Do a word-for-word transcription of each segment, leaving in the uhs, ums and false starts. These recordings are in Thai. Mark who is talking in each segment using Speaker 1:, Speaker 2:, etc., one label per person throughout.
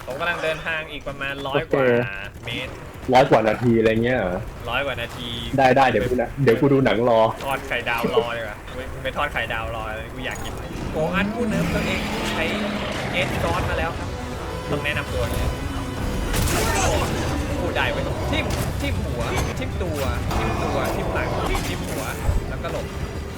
Speaker 1: ผมกำลังเดินทางอีกประมาณร้อยกว่าเมตร
Speaker 2: ร้อยกว่านาทีอะไรเงี้ยเหรอ
Speaker 1: ร้อยกว่านาที
Speaker 2: ได้ได้เดี๋ยวกูนะเดี๋ยวกูดูหนังรอ
Speaker 1: ทอดไข่ดาวรอเลยว่ะไปทอดไข่ดาวรอเลยกูอยากกินโกอันผู้เนิร์ฟตัวเองใช้เอสซอสมาแล้วครับต้องแนะนำตัวเลยกูได้ไว้ทิ่มทิ่มหัวทิ่มตัวทิ่มตัวทิ่มหลังทิ่มหัวแล้วก็หลบ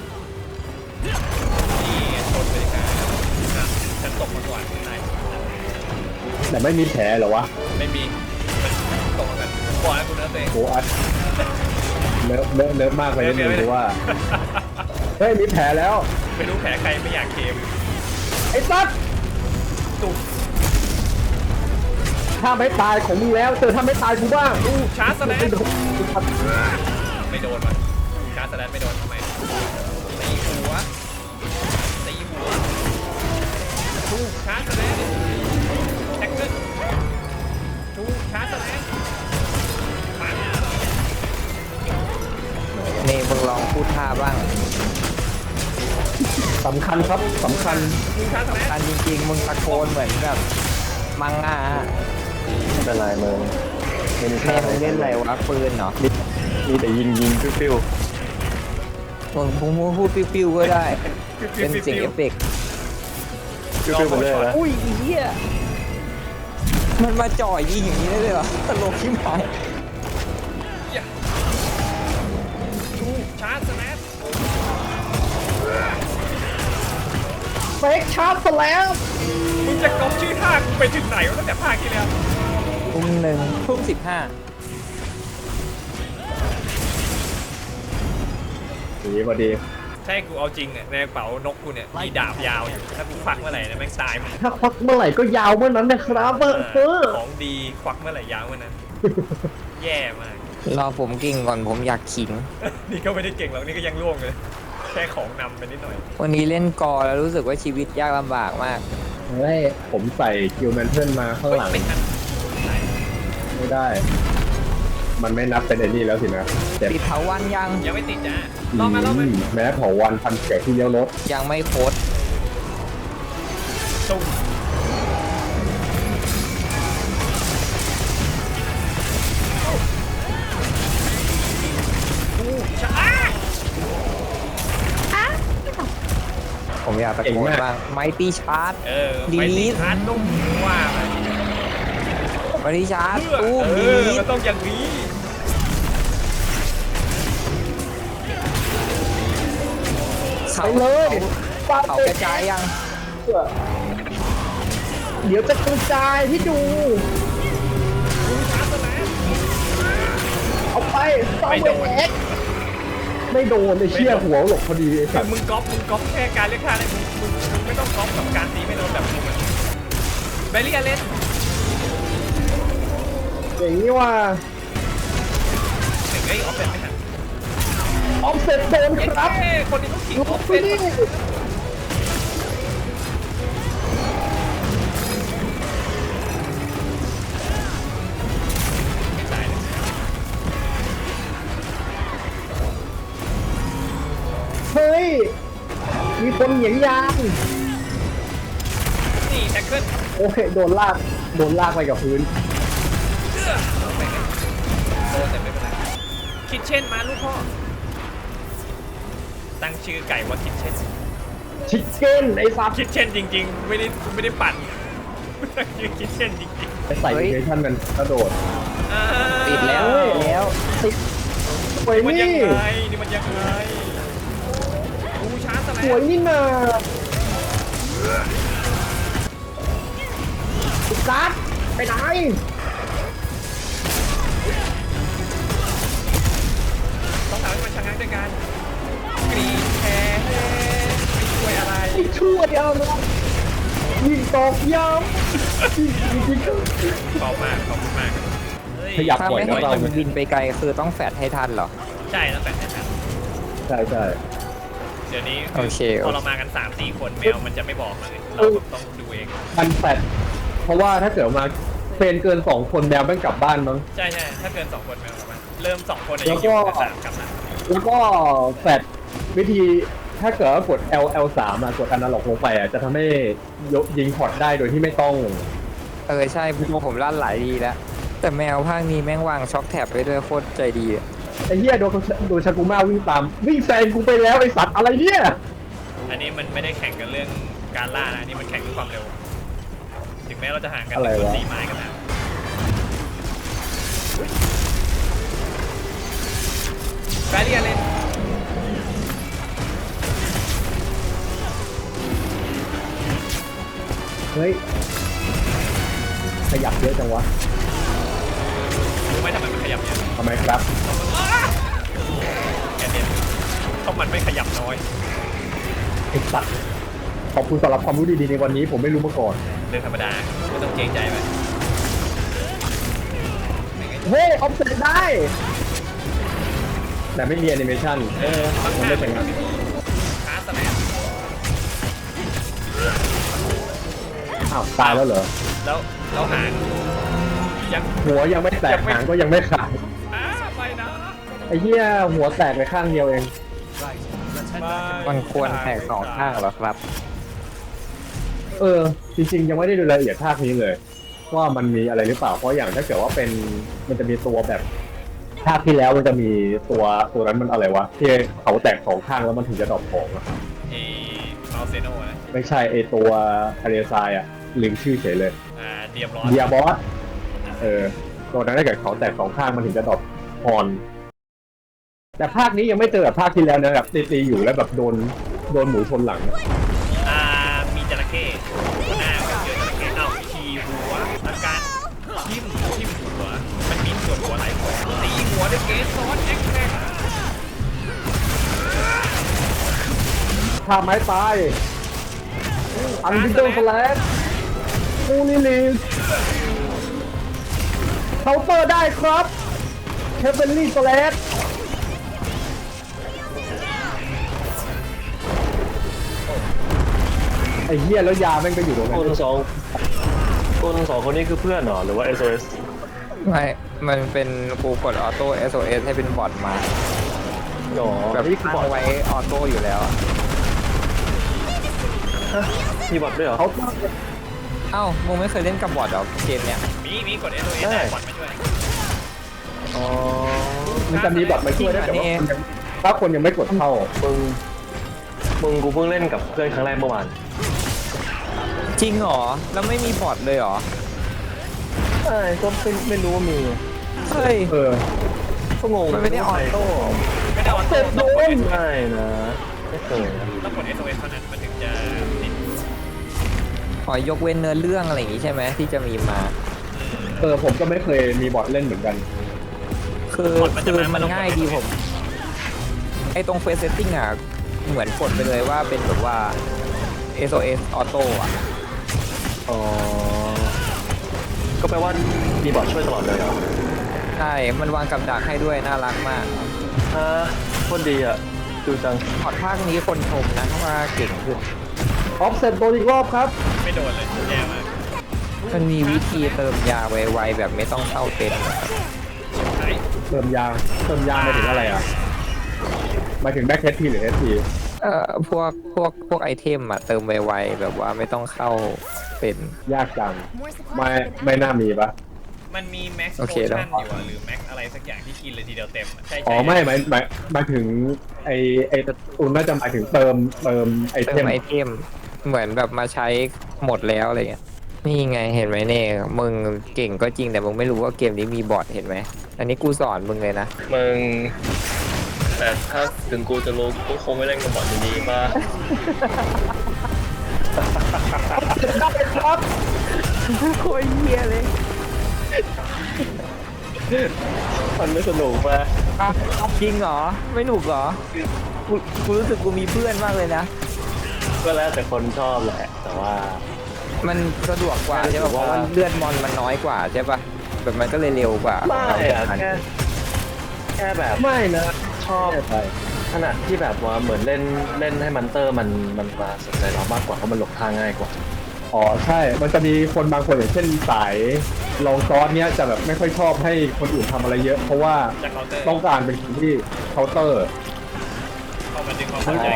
Speaker 1: นี่ชนเลยครับฉันตกมาก่อนนาย
Speaker 2: แต่ไม่มีแผลเหรอวะ
Speaker 1: ไม่มีมันตกกันบอกแล้วกูเนิร์ฟตัวเอง
Speaker 2: โอ้อัดเนิร์ฟเนิร์ฟเนิร์ฟมากไปนิดนึงเพราะว่าเฮ้ยมีแผลแล้ว
Speaker 1: ไม่รู้แผลใครไม่อยากเคม
Speaker 2: ไอ้ซัด
Speaker 1: ตุก
Speaker 2: ถ้าไม่ตายของมึงแล้วเจอถ้าไม่ตายกูบ้าง
Speaker 1: อู้ชาร์จสแลนไม่โดนวะชาร์จสแลนไม่โดนทำไมตีหัวตีหัวทูชาร์จสแลนแท็กเกิลทูชาร์จสแลน
Speaker 3: นี่มึงลองพูดท่าบ้าง
Speaker 2: สำคัญครับสำคัญ
Speaker 1: สำ
Speaker 3: คัญจริงๆมึงตะโกนเหมือนแบบมังงะ
Speaker 2: ไม่เป็นไรมึงไม่มี
Speaker 3: แม่มึงเล่นอะไรวะปืนเนาะ
Speaker 2: มีแต่ยิงยิงปิ้ว
Speaker 3: มึงมึงพูดปิ้วๆก็ได้เป็นเสียงเอฟเฟกต์
Speaker 2: ปิ้วๆไปเลยนะ
Speaker 3: อุ้ยเหี้ยมันมาจ่อยยิงอย่างนี้ได้เลยเหรอตลกที่หมาย
Speaker 1: ทูชาร์จสแลน
Speaker 2: เฟกชาร์จสแลน
Speaker 1: มึงจะก๊อปชื่อท่าไปถึงไหนวะตั้งแต่ภาคที่แล้ว
Speaker 3: ทุ่มหนึ่งทุ่มสิบห้า
Speaker 2: ดีพอดี
Speaker 1: ใช่กูเอาจริงเนี่ยในกระเป๋านกกูเนี่ยมีดาบยาวอยู่ถ้ากูควักเมื่อไหร่เนี่ยแม่งตาย
Speaker 2: ถ้าควักเมื่อไหร่ก็ยาวเมื่อนั้นนะครับเออ
Speaker 1: ของดีควักเมื่อไหร่ยาวเมื่อนั้นแย่มาก
Speaker 3: รอผมเก่งก่อนผมอยากขิง
Speaker 1: นี่ก็ไม่ได้เก่งหรอกนี่ก็ยังล่วงเลยแค่ของนำไปนิดหน่อย
Speaker 3: วันนี้เล่นกอแล้วรู้สึกว่าชีวิตยากลำบากมาก
Speaker 2: เฮ้ยผมใส่คิวแมนเทิลมาข้างหลังไม่ได้มันไม่นับเป็นไอ้นี่แล้วสินะ
Speaker 3: ติดเผาวันยัง
Speaker 1: ยังไม่ติดจ้ะลองมาลองมา
Speaker 2: แม้เผาวันพันแก่ที่เลี้ยวรถ
Speaker 3: ยังไม่โคตร
Speaker 1: ตุ้ม
Speaker 3: ผมอยากตะโกนบ้างไมตี้ชาร์จ
Speaker 1: เออไมตี้ชาร์จตุ้มว่า
Speaker 3: ไมตี้ชาร์จตุ้มดี
Speaker 1: มันต้องอย่างนี้
Speaker 3: เขาเลยเขากระจายยัง
Speaker 2: เดี๋ยวจะกระจายที่ดูเอาไป
Speaker 1: ไม่โดน
Speaker 2: ไม่โดนไอ้เชี่ยหัวหลบพอดีไอ้สั
Speaker 1: ตว์มึงก๊อปมึงก๊อปแค่การเลือกท่าเลยมึงมึงไม่ต้องก๊อปกับการตีไม่โดนแบบมึงเบลลี่เล่น
Speaker 2: อย่างนี้ว่า
Speaker 1: หนึ่งไอ้ออฟเซ็ตไม่ทัน
Speaker 2: ออฟเซ็ตโดนครับ
Speaker 1: คนนี้ต้องขิงออฟเซ็ต
Speaker 2: เฮ้ยมีคนเหยียงยาง
Speaker 1: นี่แท็กเกิล
Speaker 2: โอเคโดนลากโดนลากไปกับพื้น
Speaker 1: โดนแต่ไม่เป็นไรคิดเช่นมาลูกพ่อตั้งชื่อไก่ว่าคิดเช่น
Speaker 2: ชิคเก้นไอ้ซับ
Speaker 1: คิดเช่นจริงๆไม่ได้ไม่ได้ปั่นตั้งชื่อคิดเช่นจริง
Speaker 2: ๆไปใส่เวอร์ชันมันกระโดด
Speaker 3: ติดแล้วแล้วติด
Speaker 2: สวยนี่
Speaker 1: นี่มันยังไงดูชาร์จส
Speaker 2: วยนี่นาซัดไปไหน
Speaker 1: ต้องทำให้มันชะงักด้วยกันกรีนแคร์ไม่ช่วยอะไร
Speaker 2: ไม่ช่วยอะไรยิงตอกย้ำยิงยิง
Speaker 1: ขอบมากขอบคุณมาก
Speaker 2: ขยับปล่อย
Speaker 3: ถ้าไม่ให้มันบินไปไกลคือต้องแฟดให้ทันเหรอ
Speaker 1: ใช่ต้องแฟดให้ทัน
Speaker 2: ใช่ใช่
Speaker 1: เดี๋ยวนี้
Speaker 3: พ
Speaker 1: อเรามากัน สามสี่ คนแมวมันจะไม่บอกเลยเราต้องดูเอง
Speaker 2: มันแฟดเพราะว่าถ้าเกิดมาเป็นเกินสองคนแมวต้องกลับบ้านมั้ง
Speaker 1: ใช่ใช่ถ้าเกินสองคนแมวกลับบ้านเริ่มสองคนแล้วก็สามกลับมา
Speaker 2: แล้วก็แฟดวิธีถ้าเกิดว่ากด L L สามอ่ะกดอนาล็อกลงไปอ่ะจะทำให้ยิงพอร์ตได้โดยที่ไม่ต้อง
Speaker 3: เออใช่ผมลั่นหลายทีแล้วแต่แมวภาคนี้แม่งวางช็อคแท็บไว้ด้วยโคตรใจดีอะ
Speaker 2: ไอ้เหี้ยโดนโดนชากุมาวิ่งตามวิ่งแซงกูไปแล้วไอ้สัตว์อะไรเนี่ย
Speaker 1: อันนี้มันไม่ได้แข่งกันเรื่องการล่านะอันนี่มันแข่งด้วยความเร็ว ถึงแม้เราจะห่างกัน
Speaker 2: อะไรวะ
Speaker 1: ตีไม้กันนะแบเรียนเลย
Speaker 2: เฮ้ยขยับเยอะจังวะ
Speaker 1: รู้ไหมทำไมมันขยับเยอะ
Speaker 2: ทำไมครับ
Speaker 1: แกเด่นเพราะมันไม่ขยับน้อย
Speaker 2: ไอ้สัตว์ขอบคุณสำหรับความรู้ดีๆในวันนี้ผมไม่รู้มาก่อน
Speaker 1: เรื่องธรรมดาไม่ต้องเกรงใจมัน
Speaker 2: เฮ้ยออฟเซ็ตได้ แต่ไม่มีแอนิเมชันเออ
Speaker 1: ข้าง
Speaker 2: มัน
Speaker 1: ห
Speaker 2: ไม่
Speaker 1: น้า
Speaker 2: เป็น
Speaker 1: มั
Speaker 2: งั้
Speaker 1: น
Speaker 2: น
Speaker 1: มีคาสแลน
Speaker 2: อ้าวตายแล้วเหรอ
Speaker 1: แล้วแล้วหางยัง
Speaker 2: หัวยังไม่แตกหางก็ยังไม่ขาด
Speaker 1: อ้าไปนะ
Speaker 2: ไอ้เหี้ยหัวแตกไปข้างเดียวเอง
Speaker 3: มันควรแตกสองข้างเหรอครับ
Speaker 2: เออ จริงๆ ยังไม่ได้ดูรายละเอียดภาคนี้เลย ว่ามันมีอะไรหรือเปล่า เพราะอย่างถ้าเกิดว่าเป็นมันจะมีตัวแบบภาคที่แล้วมันจะมีตัวตัวนั้นมันอะไรวะที่เขาแตกสองข้างแล้วมันถึงจะดรอปของอะ
Speaker 1: เอมาเซโนนะ
Speaker 2: ไม่ใช่ไอตัวทะเลทรายอะลืมชื่อเฉยเลย
Speaker 1: อ่าเดียมร้อน
Speaker 2: เดียบอสเออตัวนั้นถ้าเกิดเขาแตกสองข้างมันถึงจะดรอปฮอน แต่ภาคนี้ยังไม่เจอแบบภาคที่แล้วนะแบบตีๆอยู่แล้วแบบโดนโดนหมูชนหลังอะ
Speaker 1: อ่ามีจระเข้หัวหน้าก็เจอจระเข้เอ้าทีหัวอาการทิ่มทิ่มหัวมันมีส่วนหัวหลายหัวตีหัวด้วยเกสซอสแอ็กแท็ก
Speaker 2: ท่าไม้ตายอันดิเจอร์สแลชฟูลิลีสเคาน์เตอร์ได้ครับเคเบลลี่สแลชไอ้เหี้ยแล้วยาแม่งไปอยู่ตรงนั้
Speaker 4: คน
Speaker 2: น
Speaker 4: สองคนสองคนนี้คือเพื่อนเหรอหรือว่า เอส โอ เอส
Speaker 3: ไม่ มันเป็นกูกดออโต้ เอส โอ เอส ให้เป็นบอทมา
Speaker 4: หรอ
Speaker 3: แบบ
Speaker 4: นี่คือ
Speaker 3: ตั้
Speaker 4: บอท
Speaker 3: งไว้ออโต้อยู่แล้วอะ
Speaker 4: มีบอทด้วยเหรอ
Speaker 2: เขา
Speaker 3: เอ้ามึงไม่เคยเล่นกับบอทเหรอเกมเนี้ย
Speaker 1: มีมีกดเอสโอเอสได้บอลมาช่วย
Speaker 4: อ๋อ
Speaker 2: มันจะมีแบบมาช่วยได้แต่ว่าคนยังถ้าคนยังไม่กดเข้า
Speaker 4: มึงมึงกูเพิ่งเล่นกับเพื่อนครั้งแรกเมื่อวาน
Speaker 3: จริงเหรอ แล้วไม่มีบอทเลยเหรอ
Speaker 4: ใช่ก็ไม่ไม่รู้ว่ามี
Speaker 3: เฮ้ย
Speaker 2: เออ
Speaker 4: ก็งง
Speaker 3: มันไม่ได้ออโต้
Speaker 1: ไม่ได้ออโต้ต้องกด
Speaker 4: ไม่นะไม่เคยนะ
Speaker 1: ต้องกดเอสโอเอสเท่านั้นมันถึงจะติด
Speaker 3: ขอยกเว้นเนื้อเรื่องอะไรอย่างงี้ใช่ไหมที่จะมีมา
Speaker 2: เออผมก็ไม่เคยมีบอทเล่นเหมือนกัน
Speaker 3: คือคือมันง่ายดีผม ไอตรงเฟซเซตติ้งอ่ะ เหมือนกดไปเลยว่าเป็นแบบว่า เอส โอ เอส ออโต้อะ
Speaker 4: อ๋อก็แปลว่ามีบอทช่วยตลอดเลยเหรอ
Speaker 3: ใช่ มันวางกับดักให้ด้วยน่ารักมาก
Speaker 4: ฮะโคตรดีอ่ะดูจัง
Speaker 3: พอดภาคนี้คนชมนะว่าเก่งขึ้น
Speaker 2: ออฟเซ็ตโดนอีกรอบครับ
Speaker 1: ไม่โดนเลยแย่มาก
Speaker 3: มันมีวิธีเติมยาไวๆแบบไม่ต้องเข้าเต็นท์นะครับ
Speaker 1: ไอ้
Speaker 2: เติมยาเติมยาหมายถึงอะไรอ่ะหมายถึงแบ็คเฮดทีหรือเอสที
Speaker 3: เอ่อพวกพวกพวกไอเทมอะเติมไวๆแบบว่าไม่ต้องเข้าเป็น
Speaker 2: ยากจัง ไม่ไม่น่ามีปะ
Speaker 1: มันมีแม็กซ์
Speaker 3: โอ
Speaker 1: โพ
Speaker 3: เคแล้
Speaker 1: ชั่
Speaker 3: ว
Speaker 1: นอยู่อะหรือแม็กอะไรสักอย่างที่กินเลยทีเดียวเต็มอะใช่ใช่
Speaker 2: อ๋อไม่หมายหมายหมายถึงไอไอตุนน่าจะหมายถึงเติมเติมไอ
Speaker 3: เติ
Speaker 2: เท
Speaker 3: ม
Speaker 2: ม
Speaker 3: ไอเทมเหมือนแบบมาใช้หมดแล้วอะไรเงี้ยนี่ไงเห็นไหมเน่มึงเก่งก็จริงแต่มึงไม่รู้ว่าเกมนี้มีบอทเห็นไหมอันนี้กูสอนมึงเลยนะ
Speaker 4: มึงแต่ถ้าถึงกูจะรู้กูคงไม่เล่นกับบอทดีๆป่ะ
Speaker 2: ครับ
Speaker 3: โคตรเฮียเลย
Speaker 4: มันไม่สนุกป่ะ
Speaker 3: จริงเหรอไม่หนุกเหรอกูกูรู้สึกกูมีเพื่อนมากเลยนะ
Speaker 4: ก็แล้วแต่คนชอบแหละ แต่ว่า
Speaker 3: มันสะดวกกว่าใช่ป่ะเพราะว่าเลือดมอนมันน้อยกว่าใช่ป่ะแบบมันก็เลยเร็วกว่า
Speaker 4: ไม่อะแค่แค่แบบ
Speaker 2: ไม่นะ
Speaker 4: ชอบ
Speaker 2: ไม่ไป
Speaker 4: ขนาดที่แบบว่าเหมือนเล่นเล่นให้มันเตอร์มันมันมาสนใจเรามากกว่าเพราะมันหลบทางง่ายกว่า
Speaker 2: อ๋อใช่ มันจะมีคนบางคนอย่างเช่นสายลองซอสเนี้ยจะแบบไม่ค่อยชอบให้คนอื่นทำอะไรเยอะ เพราะว่า
Speaker 1: จากเคาน์เตอร์
Speaker 2: ต้องการเป็นคนที่เคาน์เตอร์
Speaker 1: เข้ามาดึงความเข้าใจ
Speaker 3: อ๋อ
Speaker 1: กัน
Speaker 3: อยาก
Speaker 1: ลง
Speaker 3: อยาก
Speaker 1: คร์ส
Speaker 3: เล่น
Speaker 1: จาก
Speaker 3: เหมือน
Speaker 1: คาน์ตอร์
Speaker 3: เกมโลกไลท์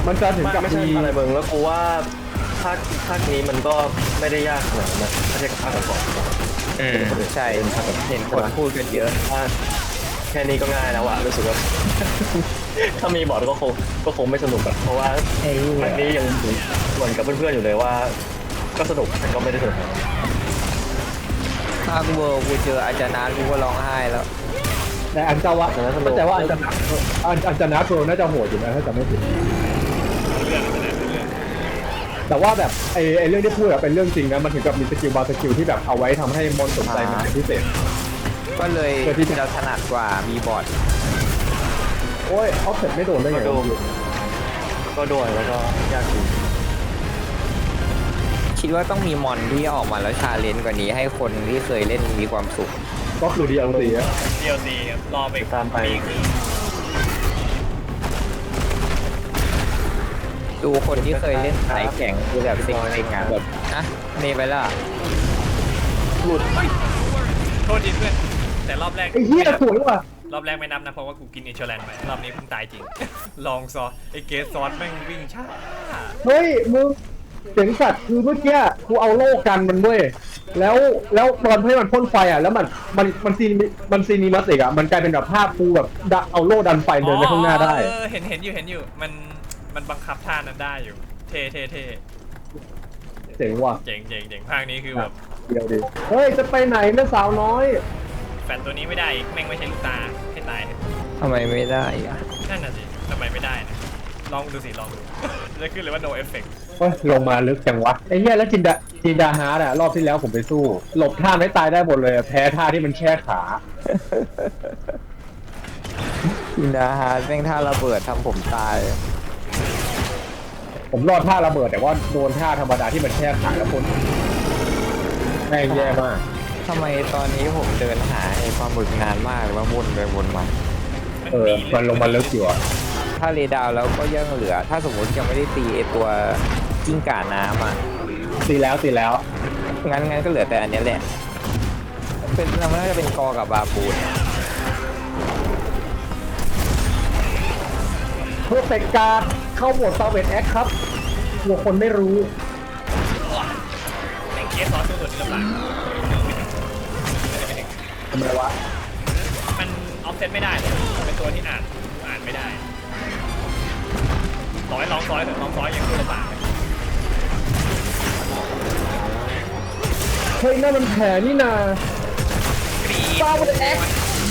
Speaker 2: มันจะถึงกับ
Speaker 4: ไม่ใช่
Speaker 2: มี
Speaker 4: อะไรเบิงแล้วกูว่าภาคภาคนี้มันก็ไม่ได้ยากขนาดนั้นนะถ้าเทียบกับภาคก่อน
Speaker 3: อืมใช่เห็นคนพูดกันเยอะ
Speaker 4: ๆว่าแค่นี้ก็ง่ายแล้วอะรู้สึกว่า ถ้ามีบอร์ดก็คงก็คงไม่สนุกอะเพราะว่า
Speaker 3: ไอ้
Speaker 4: ภาคนี้ยังเหมือนกับเพื่อนๆอยู่เลยว่า ก็สนุกแต่ก็ไม่ได้สนุก
Speaker 3: ภาคเวิร์กูเจออาจารย์นากูก็ร้องไห้แล้ว
Speaker 2: แต่อันเจ้าวะเข้าใจว่าอันจะอันอันจะนัดโรน่าจะโหดอยู่นะถ้าจำไม่ผิด
Speaker 1: เรื่องอะไรเรื่อง
Speaker 2: แต่ว่าแบบไอ้ไอ้เรื่องที่พูดอะเป็นเรื่องจริงนะมันถึงกับมีสกิลบางสกิลที่แบบเอาไว้ทำให้มอนสนใจมันเป็นพิเศษ
Speaker 3: ก็เลย
Speaker 2: เพื่อที่จะ
Speaker 3: เราถนัดกว่ามีบอร์ด
Speaker 2: โอ้ยเอาเสร็จไม่โดนได้ไง
Speaker 4: ก็ดูก็ด้วยแล้วก็ยากจริง
Speaker 3: คิดว่าต้องมีมอนที่ออกมาแล้วชาเลนจ์กว่านี้ให้คนที่เคยเล่นมีความสุข
Speaker 2: ก็คือดีเอลซีอะ
Speaker 1: เดียวซีครับรอไป
Speaker 4: ตามไป
Speaker 1: ปีครึ่ง
Speaker 3: ดูคนที่เคยเล่นสายแข่งคือแบบเซ็งๆอ่ะแบบนะเนไปและ
Speaker 2: หลุด
Speaker 1: โทษทีเพื่อนแต่รอบแรก
Speaker 2: ไอ้เหี้ยสวยว่ะ
Speaker 1: รอบแรกไม่นับนะเพราะว่ากูกินอินชอแลนไปรอบนี้เพิ่งตายจริง ลองซอสไอ้เกสซอสแม่งวิ่งช้า
Speaker 2: เฮ้ยมึงเสียงสัตว์คือเมื่อกี้กูเอาโล่กันมันเว้ยแล้วแล้วตอนให้มันพ่นไฟอ่ะแล้วมันมันมันซีมันซีนิมัสอีกอ่ะมันกลายเป็นแบบภาพกูแบบดันเอาโล่ดันไฟเดินไปข้างหน้าได้
Speaker 1: เออเห็นเห็นอยู่เห็นอยู่มันมันบังคับท่านั้นได้อยู่ เท่เท่เท่
Speaker 2: เจ๋งว่ะ
Speaker 1: เจ๋งเจ๋งเจ๋งภาคนี้คือแบบ
Speaker 2: เดี๋ยวดิเฮ้ยจะไปไหนแม่สาวน้อย
Speaker 1: แฟนตัวนี้ไม่ได้อีกแม่งไม่ใช่ลูกตาให้ตายเถอะ
Speaker 3: ทำไมไม่ได้อ่ะ
Speaker 1: นั่นน่ะสิทำไมไม่ได้นะลองดูสิลองดู จะขึ้นเลยว่า no effect
Speaker 2: เฮ้ยลงมาลึกจังวะไอ้เหี้ยแล้วจินดาจินดาฮาร์ดอะรอบที่แล้วผมไปสู้ หลบท่าไม่ตายได้หมดเลยอะแพ้ท่าที่มันแช่ขา
Speaker 3: อินดาฮาร์ดแม่งท่าระเบิดทำผมตาย
Speaker 2: ผมรอดท่าระเบิดแต่ว่าโดนท่าธรรมดาที่มันแช่ขาแล้วพ้นแม่งแย่มาก
Speaker 3: ทำไมตอนนี้ผมเดินหาไอ้ปลาหมึกนานมากเลยว่าวนไปวนมา
Speaker 2: เออมันลงมาลึกอยู่อะ
Speaker 3: ถ้าเรดาวแล้วก็ยังเหลือ ถ้าสมมติยังไม่ได้ตีไอ้ตัวกิ้งก่าน้ำอ่ะ
Speaker 2: ตีแล้วตีแล้ว
Speaker 3: งั้นงั้นก็เหลือแต่อันเนี้ยแหละ เป็นมันน่าจะเป็นกอกับบาปูน
Speaker 2: เพอร์เฟกการเข้าโหมดซาเวตแอคครับกลัวคนไม่รู้
Speaker 1: แม่งเคสซอสตัวนี้ลำบาก
Speaker 2: ทำไมวะ
Speaker 1: มันออฟเซตไม่ได้เลยเป็นตัวที่อ่านอ่านไม่ได้ต่อให้ลองซอยเถอะลองซอยยังตัวลำบากเลย
Speaker 2: เฮ้ยนั่นมันแผลนี่นาก
Speaker 1: รี๊ด
Speaker 2: ซาเวตแอค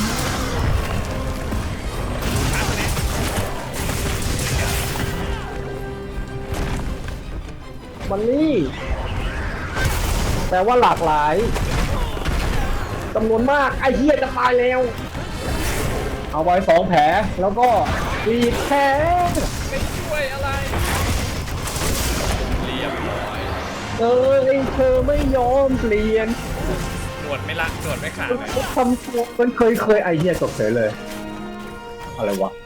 Speaker 2: มันนี่แปลว่าหลากหลายจำนวนมากไอ้เหี้ยจะตายแล้ว เอาไว้สองแผลแล้วก็รีดแผล
Speaker 1: ไม่ช่วยอะไรเรียบร้อย
Speaker 2: เออไอ้เธอไม่ยอมเปลี่ยน
Speaker 1: หนวดไม่ละหนวดไม่ขาดเลย
Speaker 2: ทำตัวมันเคยเคยไอเหี้ยตกเฉยเลย อะไรวะ